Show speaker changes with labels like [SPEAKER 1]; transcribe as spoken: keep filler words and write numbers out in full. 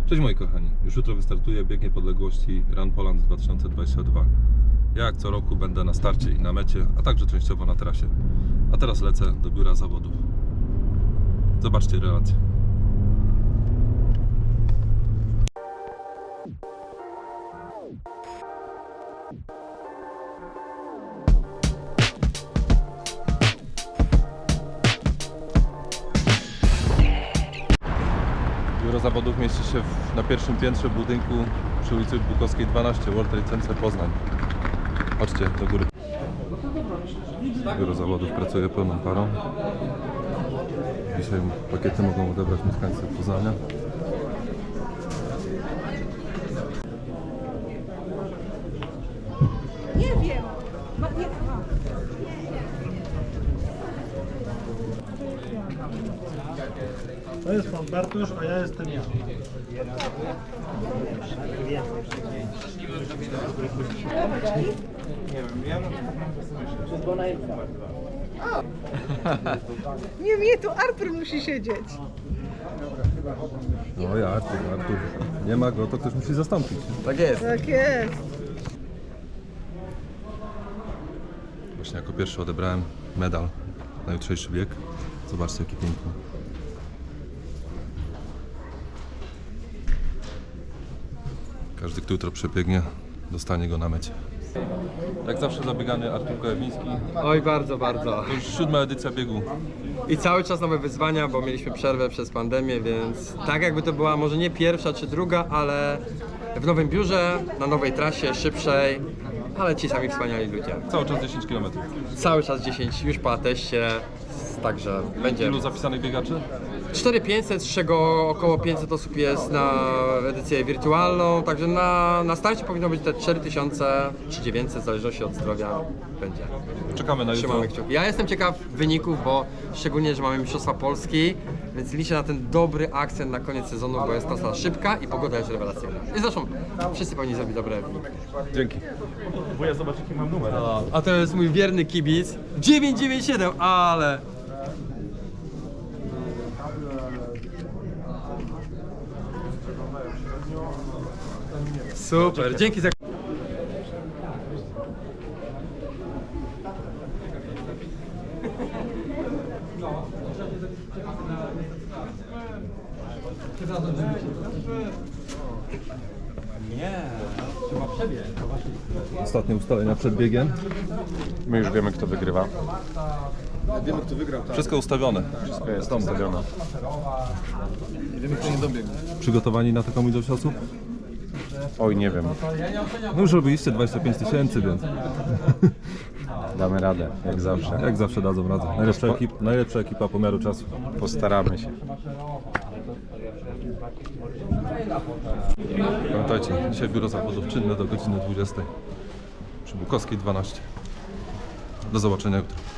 [SPEAKER 1] Cześć moi kochani, już jutro wystartuje bieg niepodległości Run Poland dwa tysiące dwadzieścia dwa. Ja jak co roku będę na starcie i na mecie, a także częściowo na trasie. A teraz lecę do biura zawodów. Zobaczcie relację. Biuro zawodów mieści się w, na pierwszym piętrze budynku przy ulicy Bukowskiej dwanaście, World Trade Center Poznań. Chodźcie do góry. Biuro zawodów pracuje pełną parą. Dzisiaj pakiety mogą odebrać mieszkańcy Poznania.
[SPEAKER 2] Nie wiem. Ma, nie, aha.
[SPEAKER 3] To jest pan Bartosz, a ja jestem ja.
[SPEAKER 2] Nie, nie, tu Artur musi siedzieć.
[SPEAKER 1] No ja, Artur, Artur. Nie ma go, to ktoś musi zastąpić.
[SPEAKER 4] Tak jest.
[SPEAKER 2] Tak jest.
[SPEAKER 1] Właśnie jako pierwszy odebrałem medal na jutrzejszy bieg. Zobaczcie jaki piękny. Każdy, kto jutro przebiegnie, dostanie go na mecie. Jak zawsze zabiegany Artur Kojawiński.
[SPEAKER 4] Oj, bardzo, bardzo.
[SPEAKER 1] To już siódma edycja biegu.
[SPEAKER 4] I cały czas nowe wyzwania, bo mieliśmy przerwę przez pandemię, więc tak jakby to była może nie pierwsza czy druga, ale w nowym biurze, na nowej trasie, szybszej, ale ci sami wspaniali ludzie.
[SPEAKER 1] Cały czas dziesięć kilometrów.
[SPEAKER 4] Cały czas dziesięć, już po ateście, także będzie
[SPEAKER 1] Ilu zapisanych biegaczy?
[SPEAKER 4] cztery tysiące pięćset, z czego około pięćset osób jest na edycję wirtualną, także na, na starcie powinno być te cztery tysiące czy dziewięćset, w zależności od zdrowia będzie.
[SPEAKER 1] Czekamy na jutro.
[SPEAKER 4] Trzymamy kciuki. Ja jestem ciekaw wyników, bo szczególnie, że mamy Mistrzostwa Polski, więc liczę na ten dobry akcent na koniec sezonu, bo jest trasa szybka i pogoda jest rewelacyjna. I zresztą wszyscy powinni zrobić dobre wyniki.
[SPEAKER 1] Dzięki.
[SPEAKER 3] Wuja, zobacz jaki mam numer.
[SPEAKER 4] A to jest mój wierny kibic dziewięć dziewięć siedem, ale... Super, dzięki za...
[SPEAKER 1] Ostatnie ustalenia przed biegiem.
[SPEAKER 5] My już wiemy, kto wygrywa.
[SPEAKER 1] Wiemy kto wygrał. Tak. Wszystko ustawione.
[SPEAKER 5] Wszystko jest ustawione.
[SPEAKER 1] Wiemy kto nie dobiegł. Przygotowani na taką ilość osób?
[SPEAKER 5] Oj, nie wiem.
[SPEAKER 1] No już robiliście dwadzieścia pięć tysięcy, więc
[SPEAKER 5] Damy radę, jak zawsze.
[SPEAKER 1] jak zawsze dadzą radę. Najlepsza, ekip, najlepsza ekipa pomiaru czasu.
[SPEAKER 5] Postaramy się.
[SPEAKER 1] Pamiętajcie, dzisiaj biuro zawodów czynne do godziny dwudziestej przy Bukowskiej dwanaście. Do zobaczenia jutro.